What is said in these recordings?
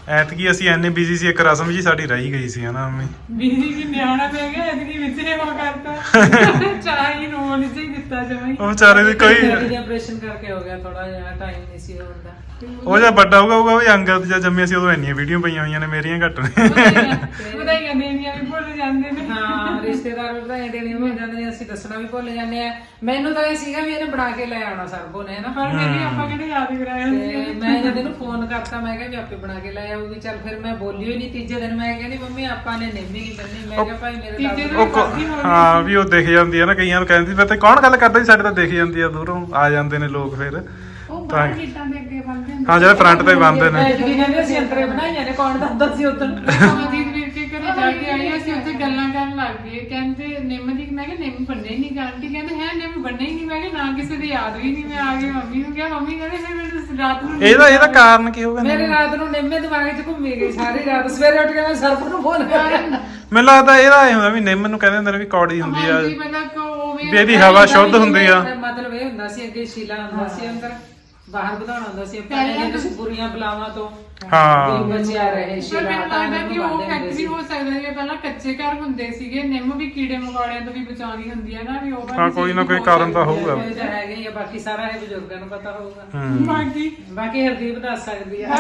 ਐਤਕੀ ਅਸੀਂ ਐਨੇ ਬਿਜ਼ੀ ਸੀ, ਇੱਕ ਰਸਮ ਜੀ ਸਾਡੀ ਰਹਿ ਗਈ ਸੀ ਹਨਾ ਮੰਮੀ। ਬਿਜੀ ਕੀ ਨਿਆਣਾ ਪੈ ਗਿਆ ਐਤਕੀ ਵਿੱਚ ਨੇ ਉਹ ਕਰਤਾ ਚਾਹ ਹੀ ਰੋਣ ਹੀ ਦਿੱਤਾ ਜਮਾਈ। ਉਹ ਵਿਚਾਰੇ ਦੀ ਕੋਈ ਆਪਰੇਸ਼ਨ ਕਰਕੇ ਹੋ ਗਿਆ, ਥੋੜਾ ਜਿਹਾ ਟਾਈਮ ਨਹੀਂ ਸੀ ਹੁੰਦਾ। ਉਹ ਜਾਂ ਵੱਡਾ ਹੋਊਗਾ ਉਹ ਅੰਗਦ ਜਾਂ ਜੰਮੇ ਸੀ ਉਦੋਂ ਇੰਨੀਆਂ ਵੀਡੀਓ ਪਈਆਂ ਹੋਈਆਂ ਨੇ, ਮੇਰੀਆਂ ਘੱਟ ਨੇ। ਵਧਾਈਆਂ ਦੇਣੀਆਂ ਵੀ ਭੁੱਲ ਜਾਂਦੇ ਨੇ। ਹਾਂ ਰਿਸ਼ਤੇਦਾਰ ਵਧਾਈਆਂ ਦੇਣੀਆਂ ਭੁੱਲ ਜਾਂਦੇ ਨੇ, ਅਸੀਂ ਦੱਸਣਾ ਵੀ ਭੁੱਲ ਜਾਂਦੇ ਆ। ਮੈਨੂੰ ਤਾਂ ਇਹ ਸੀਗਾ ਵੀ ਇਹਨੇ ਬਣਾ ਕੇ ਲੈ ਆਉਣਾ ਸਰਬੋ ਨੇ ਨਾ, ਪਰ ਮੇਰੀ ਆਪਾਂ ਕਿਹੜੇ ਯਾਦ ਕਰਾਇਆ ਤੇ ਮੈਂ ਜਦ ਇਹਨੂੰ ਫੋਨ ਕਰਤਾ ਮੈਂ ਕਿਹਾ ਵੀ ਆਪੇ ਬਣਾ ਕੇ ਲੈ ਆਊਗੀ। ਚੱਲ ਫਿਰ ਮੈਂ ਬੋਲੀ ਹੋਈ ਨਹੀਂ। ਤੀਜੇ ਦਿਨ ਮੈਂ ਕਹਿੰਦੀ ਮੰਮੀ ਆਪਾਂ ਨੇ ਨਿੰਮੀ ਨਹੀਂ ਬੰਨੀ। ਮੈਂ ਕਿਹਾ ਭਾਈ ਮੇਰੇ ਨਾਲ ਹਾਂ ਵੀ ਉਹ ਦਿਖ ਜਾਂਦੀ ਆ ਨਾ, ਕਈਆਂ ਨੂੰ ਕਹਿੰਦੀ ਪਤਾ ਕੌਣ ਗੱਲ ਕਰਦਾ ਸੀ, ਸਾਡੇ ਤਾਂ ਦਿਖ ਜਾਂਦੀ ਆ, ਦੂਰੋਂ ਆ ਜਾਂਦੇ ਨੇ ਲੋਕ ਫਿਰ। ਉਹ ਬਾਹਰ ਗੇਟਾਂ ਦੇ ਅੱਗੇ ਬੰਦੇ ਹਾਂ ਜਿਹੜੇ ਫਰੰਟ ਤੇ ਬੰਦੇ ਨੇ। ਐਤਕੀ ਕਹਿੰਦੇ ਅਸੀਂ ਅੰਤਰੇ ਬਣਾਈਆਂ ਨੇ, ਕੌਣ ਦੱਸਦਾ ਸੀ ਉਦੋਂ। ਅਮਰਜੀਤ ਵੀਰ ਕੇ ਘਰੇ ਜਾ ਕੇ ਆਈ, ਅਸੀਂ ਉੱਥੇ ਗੱਲਾਂ ਕਰਨ ਲੱਗ ਗਏ। ਕਹਿੰਦੇ ਨਿੰਮ ਦੀ, ਮੈਂ ਕਿਹਾ ਨਿੰਮ ਬੰਨੇ ਹੀ ਨਹੀਂ। ਆਂਟੀ ਕਹਿੰਦੇ ਹੈ ਨਿੰਮ ਬੰਨੇ ਹੀ ਨਹੀਂ। ਮੈਂ ਕਿਹਾ ਨਾ ਕਿਸੇ ਦੀ ਯਾਦ ਵੀ ਨਹੀਂ। ਮੈਂ ਆ ਗਈ ਮੰਮੀ ਨੂੰ ਕਿਹਾ, ਮੰਮੀ ਕਹਿੰਦੇ ਫਿਰ ਮੈਨੂੰ ਰਾਤ ਨੂੰ ਇਹਦਾ ਕਾਰਨ ਕੀ ਹੋਊਗਾ? ਮੇਰੇ ਰਾਤ ਨੂੰ ਨਿੰਮੇ ਦਿਮਾਗ 'ਚ ਘੁੰਮੀ ਗਈ ਸਾਰੀ ਰਾਤ। ਸਵੇਰੇ ਉੱਠ ਕੇ ਮੈਂ ਸਰਪ ਨੂੰ ਫੋਨ ਕਰਿਆ। ਮੈਨੂੰ ਲੱਗਦਾ ਇਹਦਾ ਇਹ ਹੁੰਦਾ ਵੀ ਨਿੰਮ ਨੂੰ ਕਹਿੰਦੇ ਹੁੰਦੇ ਨੇ ਵੀ ਕੌੜੀ ਹੁੰਦੀ ਆ, ਹਾਂਜੀ ਪਹਿਲਾਂ ਉਵੇਂ ਵੀ ਇਹਦੀ ਹਵਾ ਸ਼ੁੱਧ ਹੁੰਦੀ ਆ। ਮਤਲਬ ਇਹ ਹੁੰਦਾ ਸੀ ਅੱਗੇ ਸ਼ੀਲਾ ਹੁੰਦਾ ਸੀ ਅੰਦਰ, ਬਾਹਰ ਵਧਾਉਣਾ ਹੁੰਦਾ ਸੀ ਆਪਾਂ ਨੇ ਕਿਸੇ ਬੁਰੀਆਂ ਬਲਾਵਾਂ ਤੋਂ ਹਾਂ ਬਚਿਆ ਰਹੇ ਪਰ ਸ਼ੀਲਾ। ਮੈਨੂੰ ਲੱਗਦਾ ਕਿ ਉਹ ਫੈਕਟ ਵੀ ਹੋ ਸਕਦਾ ਹੈ। ਪਹਿਲਾਂ ਕੱਚੇ ਘਰ ਹੁੰਦੇ ਸੀਗੇ, ਨਿੰਮ ਵੀ ਕੀੜੇ ਮਕੌੜਿਆਂ ਤੋਂ ਵੀ ਬਚਾਉਂਦੀ ਹੁੰਦੀ ਹੈ ਨਾ, ਵੀ ਉਹ ਹਾਂ ਕੋਈ ਨਾ ਕੋਈ ਕਾਰਨ ਤਾਂ ਹੋਊਗਾ। ਇਹ ਤਾਂ ਹੈਗਾ ਹੀ ਆ, ਬਾਕੀ ਸਾਰਾ ਇਹ ਬਜ਼ੁਰਗਾਂ ਨੂੰ ਪਤਾ ਹੋਊਗਾ। ਬਾਕੀ ਹਰਦੀਪ ਦੱਸ ਸਕਦੀ ਆ।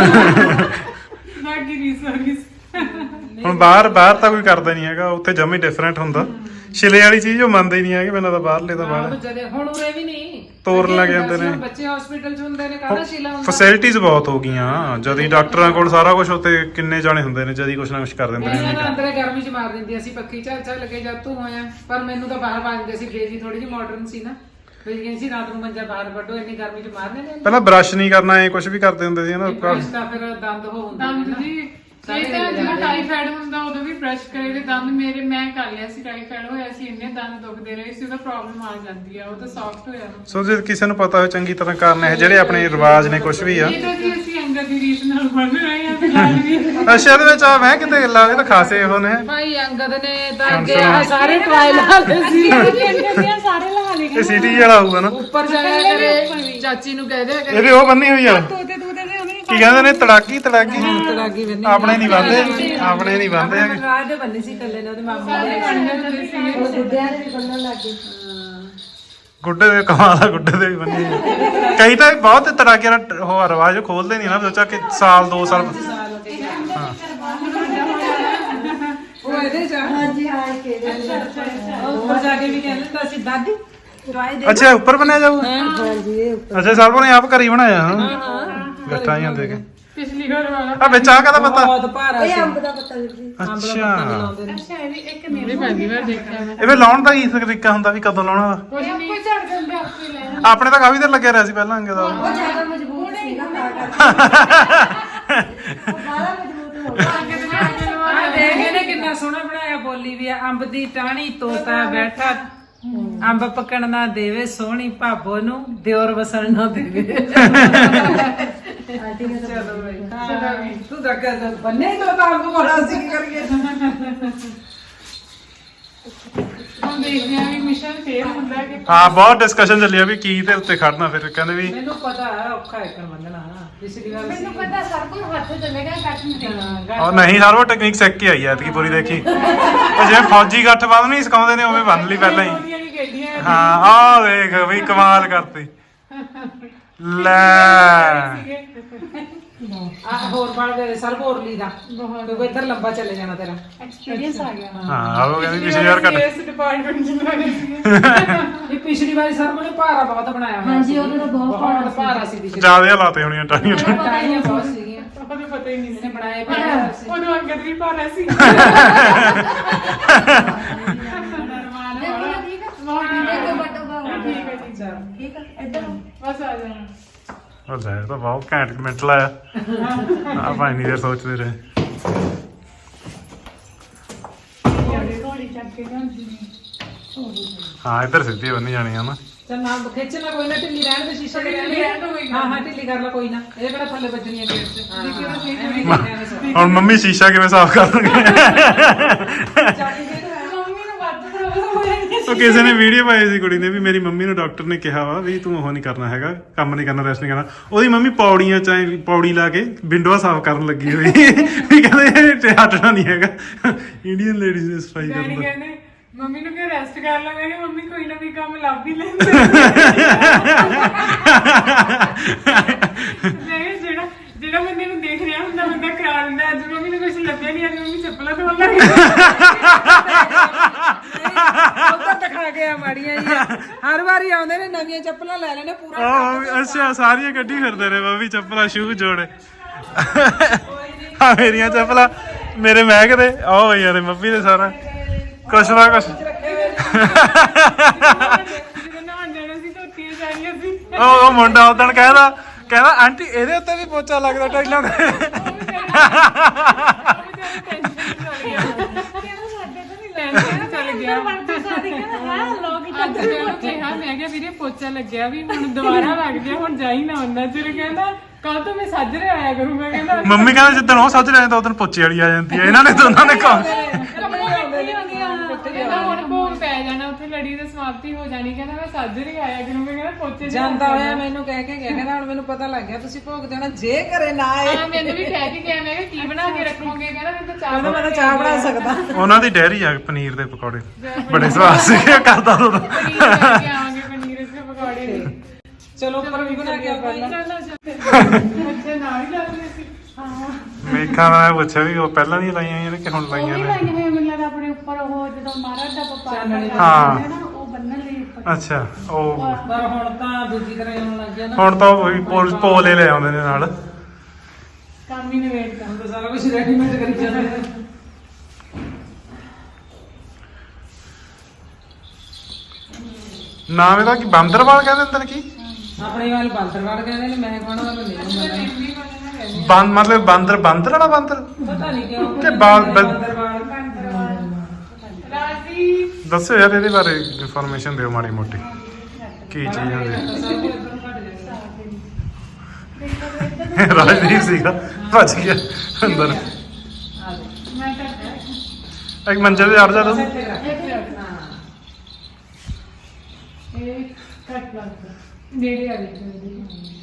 ਬਾਕੀ ਰੀਸਰਚ ਹੁਣ ਬਾਹਰ ਤਾਂ ਕੋਈ ਕਰਦਾ ਨਹੀਂ ਹੈਗਾ, ਉੱਥੇ ਜਮੀ ਡਿਫਰੈਂਟ ਹੁੰਦਾ। ਛਿਲੇ ਵਾਲੀ ਚੀਜ਼ ਉਹ ਮੰਨਦੇ ਹੀ ਨਹੀਂ ਹੈਗੇ, ਮੈਨੂੰ ਤਾਂ ਬਾਹਰਲੇ ਤਾਂ ਬਾਹਰ ਹੁਣ ਉਰੇ ਵੀ ਨਹੀਂ ਤੋਰਨ ਲੱਗ ਜਾਂਦੇ ਨੇ। ਬੱਚੇ ਹਸਪੀਟਲ 'ਚ ਹੁੰਦੇ ਨੇ, ਕਾਹਦਾ ਸ਼ੀਲਾ ਹੁੰਦਾ। ਫੈਸਿਲਿਟੀਜ਼ ਬਹੁਤ ਹੋ ਗਈਆਂ, ਜਦੀ ਡਾਕਟਰਾਂ ਕੋਲ ਸਾਰਾ ਕੁਝ, ਉੱਤੇ ਕਿੰਨੇ ਜਾਣੇ ਹੁੰਦੇ ਨੇ, ਜਦੀ ਕੁਛ ਨਾ ਕੁਛ ਕਰ ਦਿੰਦੇ ਨੇ। ਇਹਨਾਂ ਅੰਦਰੇ ਗਰਮੀ 'ਚ ਮਾਰ ਦਿੰਦੀ ਅਸੀਂ ਪੱਖੀ ਝੱਲ ਲੱਗੇ ਜਦ ਤੂੰ ਹੋਇਆ। ਪਰ ਮੈਨੂੰ ਤਾਂ ਬਾਹਰ ਵਾਜਦੇ ਸੀ, ਬੇਜੀ ਥੋੜੀ ਜਿਹੀ ਮਾਡਰਨ ਸੀ ਨਾ, ਫਿਰ ਸੀ ਰਾਤ ਨੂੰ ਮੰਜਾ ਬਾਹਰ ਵੱਢੋ, ਇੰਨੀ ਗਰਮੀ 'ਚ ਮਾਰਨੇ ਨੇ। ਪਹਿਲਾਂ ਬ੍ਰਸ਼ ਨਹੀਂ ਕਰਨਾ, ਐ ਕੁਝ ਵੀ ਕਰਦੇ ਹੁੰਦੇ ਸੀ ਨਾ। ਤਾਂ ਫਿਰ ਦੰਦ ਹੋ ਹੁੰਦੇ ਦੰਦ ਜੀ ਇਹ ਤਾਂ ਜਦੋਂ ਟਾਈਫਾਇਡ ਹੁੰਦਾ ਉਦੋਂ ਵੀ ਬ੍ਰਸ਼ ਕਰੇ ਤੇ ਦੰਦ ਮੇਰੇ, ਮੈਂ ਕਰ ਲਿਆ ਸੀ, ਟਾਈਫਾਇਡ ਹੋਇਆ ਸੀ, ਇੰਨੇ ਦੰਦ ਦੁਖਦੇ ਰਹੇ ਸੀ, ਉਹਦਾ ਪ੍ਰੋਬਲਮ ਆ ਜਾਂਦੀ ਆ, ਉਹ ਤਾਂ ਸੌਫਟ ਹੋਇਆ। ਸੋ ਜੇ ਕਿਸੇ ਨੂੰ ਪਤਾ ਹੋਵੇ ਚੰਗੀ ਤਰ੍ਹਾਂ ਕਾਰਨ ਇਹ ਜਿਹੜੇ ਆਪਣੇ ਰਿਵਾਜ ਨੇ ਕੁਝ ਵੀ ਆ। ਇਹ ਤਾਂ ਜੀ ਅਸੀਂ ਅੰਗਦ ਦੀ ਰੀਤ ਨਾਲ ਬਣ ਰਹੇ ਆ ਤੇ ਲੱਗ ਵੀ ਅੱਛਾ ਇਹਦੇ ਵਿੱਚ ਆ ਮੈਂ ਕਿਤੇ ਗੱਲਾਂ ਇਹ ਤਾਂ ਖਾਸੇ ਉਹ ਨੇ। ਭਾਈ ਅੰਗਦ ਨੇ ਤਾਂ ਅੱਗੇ ਆਹ ਸਾਰੇ ਟਰਾਇਲ ਹਾਲੇ ਸੀ, ਸਾਰੇ ਲਗਾ ਲਏ ਇਹ ਸਿਟੀ ਵਾਲਾ ਹੋਊਗਾ ਨਾ। ਉੱਪਰ ਜਾਇਆ ਕਰੇ ਚਾਚੀ ਨੂੰ ਕਹਿ ਦਿਆ ਕਰੇ ਇਹਦੇ ਉਹ ਬੰਨੀ ਹੋਈ ਆ, ਤੋਤੇ ਤੋਤੇ ਦੇ ਉਹਨੇ ਕੀ ਕਹਿੰਦੇ ਨੇ, ਤੜਾਕੀ ਤੜਾਗੀ ਆਪਣੇ ਨਹੀਂ ਬੰਦੇ, ਆਪਣੇ ਨਹੀਂ ਬੰਦੇ ਹੈਗੇ। ਰਾਜ ਦੇ ਬੰਨੇ ਸੀ ਕੱਲੇ ਨੇ, ਉਹਦੇ ਮਾਮਾ ਦੇ ਗੁੱਡਿਆਂ ਦੇ ਵੀ ਬੰਨਣ ਲੱਗ ਗਏ। ਗੁੱਡੇ ਦੇ ਕਮਾਲ ਆ, ਗੁੱਡੇ ਦੇ ਵੀ ਬੰਨੇ ਆ। ਕਈ ਤਾਂ ਬਹੁਤ ਤੜਾਕੇ ਦਾ ਉਹ ਰਿਵਾਜ ਖੋਲਦੇ ਨਹੀਂ ਨਾ, ਸੋਚਾ ਕਿ ਸਾਲ 2 ਸਾਲ। ਉਹ ਇਹਦੇ ਚ ਹਾਂਜੀ ਹਾਂ ਕੇ ਉੱਪਰ ਜਾ ਕੇ ਵੀ ਕਹਿੰਦੇ ਤਾਂ ਅਸੀਂ ਦਾਦੀ ਅੱਛਾ ਉੱਪਰ ਬਣਿਆ ਜਾਊ। ਅੱਛਾ ਸਰਬੋ ਨੇ ਆਪ ਘਰ ਹੀ ਬਣਾਇਆ। ਗੱਠਾਂ ਹੀ ਹੁੰਦੇ ਕੇ ਪਿਛਲੀ ਵਾਰ ਵਾਲਾ ਆ ਵਿੱਚ ਆ ਕਦਾ ਪਤਾ? ਬਹੁਤ ਭਾਰਾ ਸੀ। ਅੰਬ ਦਾ ਪੱਤਾ ਜੀ। ਅੱਛਾ ਅੱਛਾ ਇਹ ਵੀ ਇੱਕ ਨਹੀਂ ਪਹਿਲੀ ਵਾਰ ਦੇਖਿਆ ਮੈਂ। ਇਹ ਵੀ ਲਾਉਣ ਦਾ ਕੀ ਤਰੀਕਾ ਹੁੰਦਾ ਵੀ ਕਦੋਂ ਲਾਉਣਾ ਵਾ? ਕੁਝ ਨਹੀਂ ਝੜ ਜਾਂਦਾ ਆਪੇ ਲੈ ਆਪਣੇ ਤਾਂ ਕਾਫੀ ਦੇਰ ਲੱਗਿਆ ਰਿਹਾ ਸੀ ਪਹਿਲਾਂ ਅੰਗੇ ਦਾ। ਉਹ ਜ਼ਿਆਦਾ ਮਜ਼ਬੂਤ ਸੀ ਨਾ ਤਾਂ ਕਰਕੇ। ਉਹ ਬਾਹਲਾ ਮਜ਼ਬੂਤ ਹੋ ਗਿਆ। ਆ ਦੇਖ ਇਹਨੇ ਕਿੰਨਾ ਸੋਹਣਾ ਬਣਾਇਆ, ਬੋਲੀ ਵੀ ਆ। ਅੰਬ ਦੀ ਟਾਹਣੀ ਤੋਤਾ ਬੈਠਾ, ਅੰਬ ਪੱਕਣ ਨਾ ਦੇਵੇ ਸੋਹਣੀ ਭਾਬੋ ਨੂੰ, ਦਿਓਰ ਵਸਣ ਨਾ ਦੇਵੇ। ਚਲੋ ਬਈ ਤੂੰ ਤਾਂ ਕਰ ਬੰਨੇ ਤੋਂ ਤਾਂ ਅੰਬ ਬੜਾ ਸੀ ਕਰੀਏ। ਹੁਣ ਦੇਖਦੇ ਆ ਵੀ ਮਿਸ਼ਨ ਫੇਰ ਹੁੰਦਾ ਕਿ ਹਾਂ ਬਹੁਤ ਡਿਸਕਸ਼ਨ ਚੱਲੀ ਆ ਵੀ ਕੀ ਤੇ ਉੱਤੇ ਖੜਨਾ, ਫਿਰ ਕਹਿੰਦੇ ਵੀ ਮੈਨੂੰ ਪਤਾ ਹੈ ਔਖਾ ਇੱਕ ਮੰਨਣਾ ਪਿਛਲੀ ਵਾਰ ਮੈਨੂੰ ਪਤਾ ਸਰ ਕੋਈ ਹੱਥ ਚੱਲੇਗਾ ਕੱਟ ਨਹੀਂ ਉਹ ਨਹੀਂ ਸਾਰ ਉਹ ਟੈਕਨੀਕ ਸਿੱਖ ਕੇ ਆਈ ਐਤਕੀ ਪੂਰੀ ਦੇਖੀ। ਉਹ ਜਿਵੇਂ ਫੌਜੀ ਗੱਠ ਬੰਨ ਨਹੀਂ ਸਿਖਾਉਂਦੇ ਨੇ ਉਵੇਂ ਬੰਨ ਲਈ ਪਹਿਲਾਂ ਹੀ। ਉਹਦੀਆਂ ਵੀ ਖੇਡੀਆਂ ਹਾਂ ਆਹ ਦੇਖ ਵੀ ਕਮਾਲ ਕਰਤੀ ਲੈ। ਆ ਹੋਰ ਪੜ ਦੇ ਸਰ ਬੋਰਲੀ ਦਾ ਤੂੰ ਇੱਧਰ ਲੰਬਾ ਚੱਲੇ ਜਾਣਾ ਤੇਰਾ ਐਕਸਪੀਰੀਅੰਸ ਆ ਗਿਆ ਹਾਂ ਉਹ ਕਹਿੰਦੀ ਪਿਛਲੀ ਵਾਰ ਘੱਟ। ਇਸ ਡਿਪਾਰਟਮੈਂਟ ਚ ਲੱਗੇ ਇਹ ਪਿਛਲੀ ਵਾਰੀ ਸਰ ਨੇ ਭਾਰਾ ਬਹੁਤ ਬਣਾਇਆ ਹੋਇਆ ਹਾਂਜੀ, ਉਹਦੇ ਨਾਲ ਬਹੁਤ ਭਾਰਾ ਸੀ ਪਿਛਲੀ ਜਿਆਦਾ ਲਾਤੇ ਹੋਣੀਆਂ ਟਾਣੀਆਂ। ਟਾਈਆਂ ਬਹੁਤ ਸੀਗੀਆਂ, ਉਹਨੂੰ ਪਤਾ ਹੀ ਨਹੀਂ ਇਹਨੇ ਸੀ ਬਣਾਏ ਭਾਰਾ ਸੀ। ਉਹਨੂੰ ਅੰਗਦ ਵੀ ਭਾਰਾ ਸੀ ਇੱਕ ਬਟੋ ਬਾਹਰ। ਠੀਕ ਹੈ ਜੀ ਚਲ ਠੀਕ ਹੈ ਇੱਧਰ ਆਓ। ਬਸ ਆ ਜਾਣਾ ਉਹ ਲੈ ਇਹ ਤਾਂ ਬਹੁਤ ਘੈਂਟ ਮਿੰਟ ਲਾਇਆ। ਆ ਭਾਈ ਨਹੀਂ ਦੇਰ ਸੋਚਦੇ ਰਹੇ। ਘੋੜੀ ਚੱਕ ਕੇ ਜਾਂਦੀ ਹਾਂ ਇੱਧਰ ਸਿੱਧੀ ਬੰਨੀ ਜਾਣੀ ਆ ਨਾ। ਚੱਲ ਨਾ ਖਿੱਚਣਾ ਕੋਈ ਨਾ, ਢਿੱਲੀ ਰਹਿਣ ਦੇ ਸ਼ੀਸ਼ੇ ਤੇ ਰਹਿਣ ਦੇ। ਹਾਂ ਹਾਂ ਢਿੱਲੀ ਕਰ ਲੈ ਕੋਈ ਨਾ, ਇਹ ਕਿਹੜਾ ਥੱਲੇ ਵੱਜਣੀ ਹੈ ਗੇਟ ਤੇ। ਹੁਣ ਮੰਮੀ ਸ਼ੀਸ਼ਾ ਕਿਵੇਂ ਸਾਫ਼ ਕਰਨਗੇ? ਮੰਮੀ ਨੂੰ ਵੱਧ ਪ੍ਰੋਬਲਮ ਹੋ ਜਾਂਦੀ ਉਹ ਕਿਸੇ ਨੇ ਵੀਡੀਓ ਪਾਈ ਸੀ ਕੁੜੀ ਨੇ ਵੀ ਮੇਰੀ ਮੰਮੀ ਨੂੰ ਡਾਕਟਰ ਨੇ ਕਿਹਾ ਵਾ ਵੀ ਤੂੰ ਉਹ ਨਹੀਂ ਕਰਨਾ ਹੈਗਾ, ਕੰਮ ਨਹੀਂ ਕਰਨਾ, ਰੈਸਟ ਨਹੀਂ ਕਰਨਾ। ਉਹਦੀ ਮੰਮੀ ਪੌੜੀਆਂ ਚ ਪੌੜੀ ਲਾ ਕੇ ਵਿੰਡੋਆਂ ਸਾਫ਼ ਕਰਨ ਲੱਗੀ ਹੋਈ ਵੀ ਕਹਿੰਦੇ ਇਹ ਹਟਣਾ ਨਹੀਂ ਹੈਗਾ। ਇੰਡੀਅਨ ਲੇਡੀਜ਼ ਨੇ ਸਫਾਈ ਡੈਡੀ ਕਰਨ ਦਾ। ਕਹਿੰਦੇ ਮੰਮੀ ਨੂੰ ਕਿ ਰੈਸਟ ਕਰ ਲਾ। ਮੈਂ ਕਿਹਾ ਮੰਮੀ ਕੋਈ ਨਾ ਕੋਈ ਕੰਮ ਲੱਭ ਹੀ ਲੈਂਦੇ। ਮੈਂ ਕਿਹਾ ਜਿਹੜਾ ਬੰਦੇ ਨੂੰ ਦੇਖ ਰਿਹਾ ਹੁੰਦਾ ਬੰਦਾ ਕਰਾ ਦਿੰਦਾ। ਅੱਜ ਮੰਮੀ ਨੂੰ ਕੁਝ ਲੱਭਿਆ ਨਹੀਂ, ਅੱਜ ਮੰਮੀ ਚੱਪਲਾਂ ਧੋਣ ਲੱਗ ਗਈ। ਉਧਰ ਦਿਖਾ ਕੇ ਆ ਮਾੜੀਆਂ ਜੀ, ਹਰ ਵਾਰੀ ਆਉਂਦੇ ਨੇ ਨਵੀਆਂ ਚੱਪਲਾਂ ਲੈ ਲੈਣੇ ਪੂਰਾ। ਆਹ ਅੱਛਾ, ਸਾਰੀਆਂ ਕੱਢੀ ਫਿਰਦੇ ਨੇ ਮੰਮੀ ਚੱਪਲਾਂ, ਸ਼ੂ ਜੋੜੇ। ਆ ਮੇਰੀਆਂ ਚੱਪਲਾਂ ਮੇਰੇ ਮਹਿਕ ਦੇ ਆਹ ਹੋਈਆਂ ਨੇ ਮੰਮੀ ਦੇ ਸਾਰਾ ਕੁਛ ਨਾ ਕੁਛ। ਜਦੋਂ ਨਹਾਉਣ ਜਾਣਾ ਸੀ ਧੋਤੀਆਂ ਸਾਰੀਆਂ ਸੀ। ਉਹ ਮੁੰਡਾ ਉਦਣ ਕਹਿੰਦਾ ਆਂਟੀ ਇਹਦੇ ਉੱਤੇ ਵੀ ਪੋਚਾ ਲੱਗਦਾ ਟਾਈਲਾਂ ਤੇ। ਚੱਲ ਗਿਆ ਅੱਜ ਜਦੋਂ ਕਿਹਾ ਮੈਂ ਕਿਹਾ ਵੀਰੇ ਪੋਚਾ ਲੱਗਿਆ ਵੀ ਹੁਣ ਦੁਬਾਰਾ ਲੱਗ ਗਿਆ, ਹੁਣ ਜਾਈ ਨਾ ਹੁੰਦਾ। ਚਿਰ ਕਹਿੰਦਾ ਕੱਲ ਤੋਂ ਮੈਂ ਸਾਜਰੇ ਆਇਆ ਕਰੂੰਗਾ। ਕਹਿੰਦਾ ਮੰਮੀ ਕਹਿੰਦਾ ਜਿੱਦਣ ਉਹ ਸੱਜ ਰਹੇ ਤਾਂ ਉਦੋਂ ਪੋਚੇ ਵਾਲੀ ਆ ਜਾਂਦੀ ਹੈ। ਇਹਨਾਂ ਨੇ ਦੋਨਾਂ ਨੇ ਕੰਮ ਕਹਿੰਦਾ ਹੁਣ ਭੋਗ ਪੈ ਜਾਣਾ, ਉੱਥੇ ਲੜੀ ਦੀ ਸਮਾਪਤੀ ਹੋ ਜਾਣੀ। ਕਹਿੰਦਾ ਮੈਂ ਸਾਜਰੇ ਆਇਆ ਕਰੂੰਗਾ। ਕਹਿੰਦਾ ਪੋਚੇ ਜਾਂਦਾ ਹੋਇਆ ਮੈਨੂੰ ਕਹਿ ਕੇ ਗਿਆ, ਕਹਿੰਦਾ ਹੁਣ ਮੈਨੂੰ ਪਤਾ ਲੱਗ ਗਿਆ ਤੁਸੀਂ ਭੋਗ ਦੇਣਾ, ਜੇ ਘਰੇ ਨਾ ਆਏ। ਹਾਂ ਮੈਨੂੰ ਵੀ ਕਹਿ ਕੇ ਗਿਆ। ਮੈਂ ਕਿਹਾ ਕੀ ਬਣਾ ਕੇ ਰੱਖੋਗੇ? ਕਹਿੰਦਾ ਮੈਨੂੰ ਤਾਂ ਚਾਹ ਮੈਂ ਤਾਂ ਚਾਹ ਬਣਾ ਸਕਦਾ। ਉਹਨਾਂ ਦੀ ਡੈਰੀ ਆ ਪਨੀਰ ਦੇ ਪਕੌੜੇ ਬੜੇ ਸਵਾਦ ਸੀਗੇ, ਕਰਦਾ ਦੋ ਪਨੀਰ ਲੈ ਕੇ ਆਵਾਂਗੇ, ਪਨੀਰ ਦੇ ਪਕੌੜੇ। ਚਲੋ ਉੱਪਰ ਵੀ ਬਣਾ ਕੇ ਆਪਾਂ ਬੱਚੇ ਨਾਲ ਹੀ ਲੱਗਦੇ ਸੀ। ਹਾਂ ਮੇਖਾਂ ਮੈਂ ਪੁੱਛਿਆ ਵੀ ਉਹ ਪਹਿਲਾਂ ਦੀਆਂ ਲਾਈਆਂ ਹੋਈਆਂ ਨੇ ਕਿ ਹੁਣ ਉਹ ਲਾਈਆਂ ਵੀ ਨੇ। ਲਾਈਆਂ ਹੋਈਆਂ ਮੈਨੂੰ ਲੱਗਦਾ ਆਪਣੇ ਉੱਪਰ ਉਹ ਜਦੋਂ ਮਹਾਰਾਜ ਦਾ ਵਪਾਰ ਹਾਂ। ਕਰਦਾ ਨਾ ਉਹ ਬੰਨਣ ਲਈ ਉੱਪਰ। ਅੱਛਾ ਉਹ ਪਰ ਹੁਣ ਤਾਂ ਦੂਜੀ ਤਰ੍ਹਾਂ ਹੀ ਹੋਣ ਲੱਗ ਗਿਆ ਨਾ। ਹੁਣ ਤਾਂ ਉਹ ਪੋਲੇ ਲੈ ਆਉਂਦੇ ਨੇ ਨਾਲ। ਕੰਮ ਹੀ ਨਵੇੜਦਾ। ਹੁਣ ਤਾਂ ਸਾਰਾ ਕੁਝ ਰੈਡੀਮੇਡ ਕਰੀ ਜਾਂਦੇ ਨੇ। ਨਾਮ ਇਹਦਾ ਕੀ ਬਾਂਦਰਵਾਲ ਕਹਿੰਦੇ ਹੁੰਦੇ ਨੇ ਕੀ? ਆਪਣੇ ਵਾਲ ਬਾਂਦਰਵਾਲ ਕਹਿੰਦੇ ਨੇ, ਮੈਂ ਕਹਣਾ ਵਾਲਾ ਨਹੀਂ ਮਤਲਬ ਬਾਂਦਰ ਵਾਲਾ ਬਾਂਦਰ ਪਤਾ ਨਹੀਂ ਕਿਉਂ ਕਿ ਬਾਂਦਰਵਾਲ। ਰਾਜੀ ਦੱਸੋ ਯਾਰ ਇਹਦੇ ਬਾਰੇ ਇਨਫੋਰਮੇਸ਼ਨ ਦਿਓ ਮਾੜੀ ਮੋਟੀ ਕੀ ਚੀਜ਼ ਹੁੰਦੀ। ਰਾਜਦੀਪ ਸੀਗਾ ਭੱਜ ਗਿਆ ਅੰਦਰ। ਮੈਂ ਤਾਂ ਇੱਕ ਮੰਜੇ ਤੇ ਚੜ ਜਾ ਤੂੰ। ਇਹ ਕੱਟ ਲੱਗਦਾ ਨੇੜੇ ਆ ਗਈ।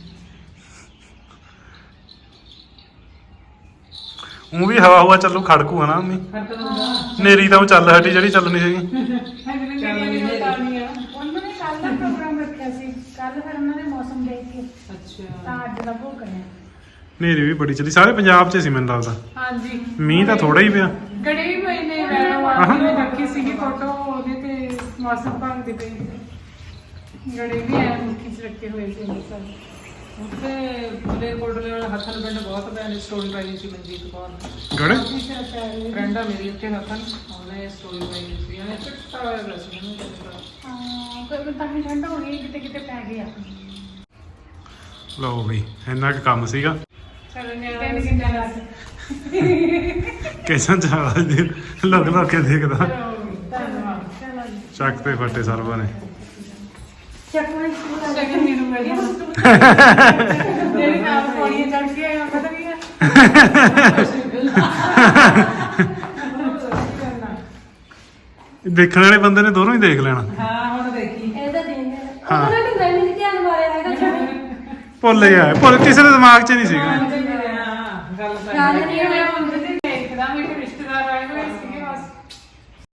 ਉਹ ਵੀ ਹਵਾ ਚੱਲੂ ਖੜਕੂ ਹਨਾ ਮੰਮੀ। ਨੇਰੀ ਤਾਂ ਉਹ ਚੱਲ ਹਟੀ ਜਿਹੜੀ ਚੱਲਣੀ ਸੀਗੀ। ਉਹਨਾਂ ਨੇ ਕੱਲ ਦਾ ਪ੍ਰੋਗਰਾਮ ਰੱਖਿਆ ਸੀ, ਕੱਲ ਫਿਰ ਉਹਨਾਂ ਨੇ ਮੌਸਮ ਦੇਖ ਕੇ ਅੱਛਾ ਤਾਂ ਅੱਜ ਦਾ ਭੋਗ ਕਰਿਆ। ਨੇਰੀ ਵੀ ਬੜੀ ਚੱਲੀ, ਸਾਰੇ ਪੰਜਾਬ 'ਚ ਸੀ ਮੈਨੂੰ ਲੱਗਦਾ। ਹਾਂਜੀ ਮੀਂਹ ਤਾਂ ਥੋੜਾ ਹੀ ਪਿਆ। ਗੜੇ ਵੀ ਪਏ ਨੇ। ਮੈਂ ਰੱਖੀ ਸੀਗੀ ਫੋਟੋ ਉਹਦੇ ਤੇ ਮੌਸਮ ਭਾਗ ਦੇ ਪਏ ਗੜੇ ਵੀ ਐ ਮੁੱਠੀ ਚ ਰੱਖੇ ਹੋਏ ਸੀ ਅੰਦਰ। ਉੱਥੇ ਮਲੇਰਕੋਟਲੇ ਵਾਲਾ ਹੱਥਨ ਪਿੰਡ ਬਹੁਤ ਭੈਣ ਸਟੋਰੀ ਪਾਈ ਸੀ ਮਨਜੀਤ ਕੌਰ ਨੇ। ਗੜੇ ਫਰੈਂਡ ਆ ਮੇਰੀ ਉੱਥੇ ਹੱਥਨ, ਉਹਨੇ ਸਟੋਰੀ ਪਾਈ ਸੀ। ਉਹਨੇ ਚਿੱਟਾ ਹੋਇਆ ਪਿਆ ਸੀ ਉਹਨੂੰ ਕਹਿੰਦਾ। ਹਾਂ ਕੋਈ ਤਾਂ ਹੀ ਠੰਡ ਹੋ ਗਈ, ਕਿਤੇ ਕਿਤੇ ਪੈ ਗਿਆ। ਲਓ ਬਈ ਇੰਨਾ ਕੁ ਕੰਮ ਸੀਗਾ। ਚਲੋ ਨਿਆਣੇ ਕਿੰਨੇ ਰਾਤ ਕਿਸ਼ਨ ਚਾਲਾ ਜੀ ਲੋਕ ਕੇ ਦੇਖਦਾ। ਧੰਨਵਾਦ। ਚਲੋ ਜੀ ਚੱਕ ਤੇ ਫੱਟੇ ਸਰਵਾਂ ਨੇ। ਚੱਕੋ ਸ਼ੁਰੂ ਸ਼ਗਨ ਮੈਨੂੰ ਮਿਲ ਗਿਆ। ਜਿਹੜੇ ਨਾਲ ਪੌੜੀਆਂ ਚੜ੍ਹ ਕੇ ਆਇਆ ਪਤਾ ਕੀ ਹੈ। ਦੇਖਣ ਵਾਲੇ ਬੰਦੇ ਨੇ ਦੋਨੋਂ ਹੀ ਦੇਖ ਲੈਣਾ। ਹਾਂ ਹੁਣ ਦੇਖੀ ਇਹਦਾ ਦੇਣ ਉਹਨਾਂ ਨੇ ਗੱਲ ਨਹੀਂ ਧਿਆਨ ਮਾਰਿਆ ਹੈਗਾ ਜਦੋਂ ਭੁੱਲ ਗਿਆ, ਭੁੱਲ ਕਿਸੇ ਦੇ ਦਿਮਾਗ 'ਚ ਨਹੀਂ ਸੀਗਾ। ਹਾਂ ਗੱਲ ਤਾਂ ਗੱਲ ਨਹੀਂ ਹੋਇਆ